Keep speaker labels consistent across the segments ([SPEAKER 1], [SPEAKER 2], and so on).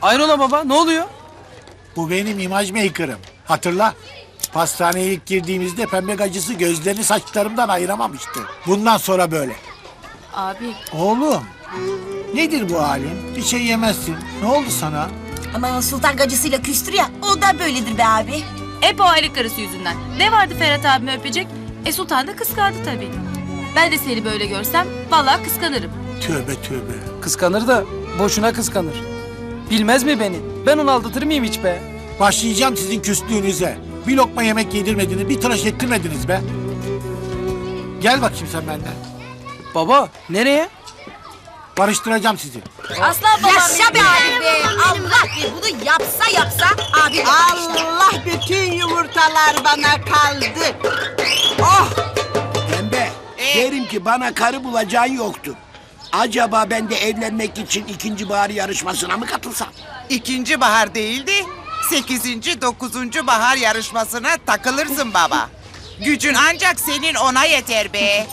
[SPEAKER 1] Hayrola baba, ne oluyor?
[SPEAKER 2] Bu benim imaj maker'ım. Hatırla. Pastaneye ilk girdiğimizde pembe gacısı gözlerini saçlarımdan ayıramamıştı. Bundan sonra böyle.
[SPEAKER 3] Abi
[SPEAKER 2] Oğlum. Nedir bu halin? Bir şey yemezsin. Ne oldu sana?
[SPEAKER 4] Ama sultan gacısıyla küstür ya, o da böyledir be abi.
[SPEAKER 3] hep o aylık karısı yüzünden. Ne vardı Ferhat abimi öpecek? Sultan da kıskandı tabii. Ben de seni böyle görsem vallahi kıskanırım.
[SPEAKER 2] Tövbe tövbe.
[SPEAKER 1] Kıskanır da boşuna kıskanır. Bilmez mi beni? Ben onu aldatır mıyım hiç be?
[SPEAKER 2] Başlayacağım sizin küslüğünüze. Bir lokma yemek yedirmediniz, bir tıraş ettirmediniz be. Gel bakayım sen benden.
[SPEAKER 1] Baba, nereye?
[SPEAKER 2] Barıştıracağım sizi.
[SPEAKER 3] Aslan babam
[SPEAKER 4] Yaşa be
[SPEAKER 3] benim.
[SPEAKER 4] abi be! Allah be, bunu yapsa abi.
[SPEAKER 5] Allah, bütün yumurtalar bana kaldı. Oh!
[SPEAKER 6] Pembe, derim ki bana karı bulacağın yoktu. Acaba ben de evlenmek için ikinci bahar yarışmasına mı katılsam?
[SPEAKER 5] İkinci bahar değildi. 8. 9. bahar yarışmasına takılırsın baba. Gücün ancak senin ona yeter be.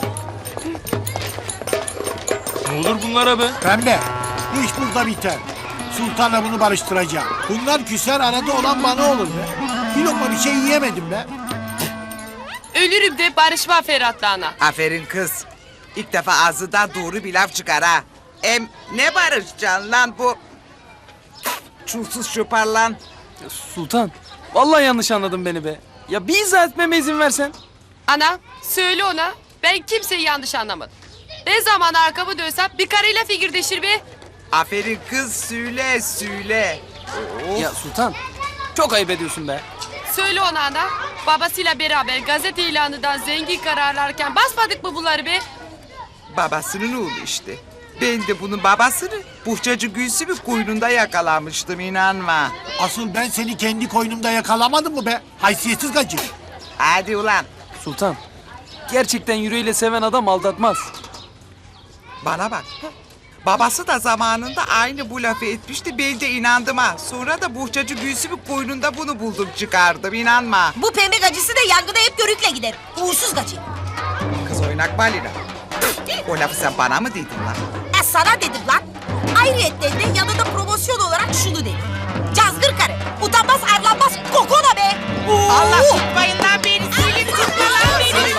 [SPEAKER 7] Ne olur bunlara be?
[SPEAKER 2] Pembe, bu iş burada biter. Sultanla bunu barıştıracağım. Bunlar küser, arada olan bana olur be. Bir lokma bir şey yiyemedim be.
[SPEAKER 8] Ölürüm de barışma Ferhat'la ana.
[SPEAKER 5] Aferin kız. İlk defa ağzından doğru bir laf çıkar ha. Ne barışacaksın lan bu? Çulsuz şuparlan.
[SPEAKER 1] Sultan, vallahi yanlış anladın beni be. Ya bir izah etmeme izin versen.
[SPEAKER 8] Ana söyle ona ben kimseyi yanlış anlamadım. Ne zaman arkamı dönsem bir karıyla figürdeşir be.
[SPEAKER 5] Aferin kız, söyle.
[SPEAKER 1] Ya Sultan, çok ayıp ediyorsun be.
[SPEAKER 8] Söyle ona ana. Babasıyla beraber gazete ilanından zengin kararlarken basmadık mı bunları be?
[SPEAKER 5] Babasının oğlu işte. Ben de bunun babasını Buhçacı Gülsüm'ün koynunda yakalamıştım, inanma.
[SPEAKER 2] Asıl ben seni kendi koynumda yakalamadım mı be? Haysiyetsiz gacı.
[SPEAKER 5] Hadi ulan.
[SPEAKER 1] Sultan, gerçekten yüreğiyle seven adam aldatmaz.
[SPEAKER 5] Bana bak. Babası da zamanında aynı bu lafı etmişti. Ben de inandım ha. Sonra da Buhçacı Gülsüm'ün koynunda bunu buldum çıkardım. İnanma.
[SPEAKER 4] Bu pembe gacısı da yangına hep körükle gider. Uğursuz gacı.
[SPEAKER 5] Kız oynak balina. O lafı sen bana mı dedin lan?
[SPEAKER 4] Sana dedim lan. Ayrıyetten de yanında promosyon olarak şunu dedim. Cazgır karı. Utanmaz arlanmaz kokona be.
[SPEAKER 5] Allah tutmayın lan beni. Söyle tutma lan beni.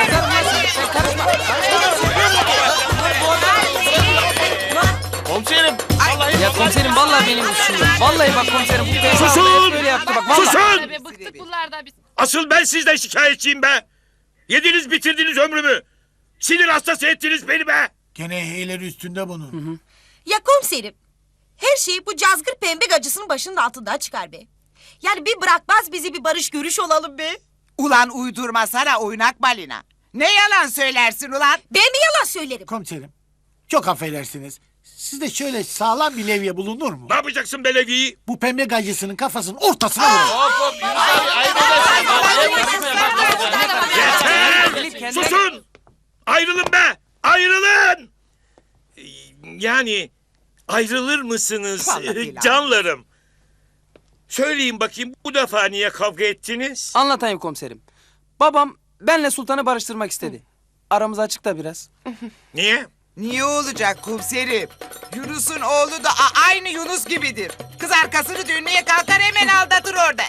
[SPEAKER 7] Komiserim.
[SPEAKER 1] Ya komiserim vallahi benim suçum. Vallahi bak komiserim bu beyefendi
[SPEAKER 7] Susun!
[SPEAKER 1] hep böyle yaptı bak vallahi.
[SPEAKER 7] Susun!
[SPEAKER 8] Be, bıktık bunlardan biz.
[SPEAKER 7] Asıl ben sizden şikayetçiyim be. Yediniz bitirdiniz ömrümü. Sinir hastası ettiniz beni be.
[SPEAKER 2] Gene heyleri üstünde bunun.
[SPEAKER 4] Ya komiserim. Her şey bu cazgır pembe gacısının başının altından çıkar be. Yani bir bırakmaz bizi bir barış görüş olalım be.
[SPEAKER 5] Ulan uydurma sana oynak balina. Ne yalan söylersin ulan?
[SPEAKER 4] Ben mi yalan söylerim?
[SPEAKER 2] Komiserim, çok affedersiniz. Sizde şöyle sağlam bir levye bulunur mu?
[SPEAKER 7] Ne yapacaksın belediyeyi?
[SPEAKER 2] Bu pembe gacısının kafasının ortasına vurun.
[SPEAKER 7] Yeter! Susun! Ayrılın be! Ayrılın! Yani ayrılır mısınız
[SPEAKER 5] Vallahi billahi.
[SPEAKER 7] canlarım? Söyleyin bakayım bu defa niye kavga ettiniz?
[SPEAKER 1] Anlatayım komiserim. Babam benle Sultan'ı barıştırmak istedi. Aramız açık da biraz.
[SPEAKER 7] Niye?
[SPEAKER 5] Niye olacak komiserim? Yunus'un oğlu da aynı Yunus gibidir. Kız arkasını dönmeye kalkar hemen aldatır orada.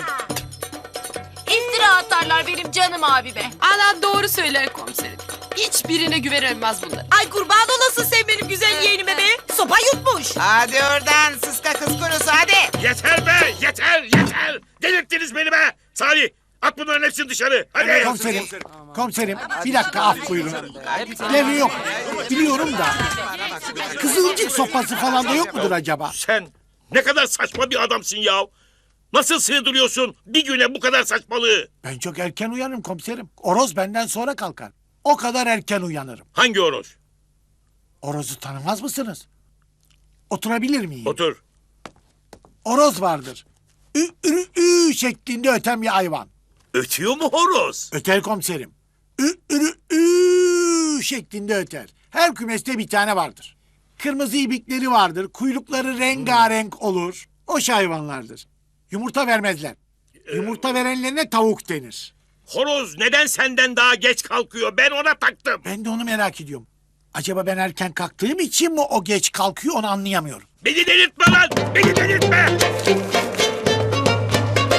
[SPEAKER 3] İftira atarlar benim canım abi be.
[SPEAKER 8] Ana doğru söyler komiserim. Hiçbirine güvenilmez bunlar.
[SPEAKER 4] Ay kurban olasın sen benim güzel yeğenime be. Sopa yutmuş.
[SPEAKER 5] Hadi oradan sıska kız kurusu hadi.
[SPEAKER 7] Yeter be! Yeter! Delirttiniz beni be! Salih! At bunların hepsini dışarı! Hadi!
[SPEAKER 2] Komiserim, bir dakika af buyurun. Levye yok, biliyorum da. Kızılcık sopası falan da yok mudur acaba?
[SPEAKER 7] Sen ne kadar saçma bir adamsın ya! Nasıl sığdırıyorsun bir güne bu kadar saçmalığı?
[SPEAKER 2] Ben çok erken uyanırım komiserim. Oroz benden sonra kalkar. O kadar erken uyanırım.
[SPEAKER 7] Hangi horoz?
[SPEAKER 2] Oroz'u tanımaz mısınız? Oturabilir miyim?
[SPEAKER 7] Otur.
[SPEAKER 2] Oroz vardır. Ü, ürü, ü şeklinde öten bir hayvan.
[SPEAKER 7] Ötüyor mu horoz?
[SPEAKER 2] Öter komiserim. Ü, ürü, ü şeklinde öter. Her kümeste bir tane vardır. Kırmızı ibikleri vardır. Kuyrukları rengarenk olur. O hayvanlardır. Yumurta vermezler. Yumurta verenlerine tavuk denir.
[SPEAKER 7] Horoz neden senden daha geç kalkıyor? Ben ona taktım.
[SPEAKER 2] Ben de onu merak ediyorum. Acaba ben erken kalktığım için mi o geç kalkıyor onu anlayamıyorum.
[SPEAKER 7] Beni delirtme lan! Beni delirtme!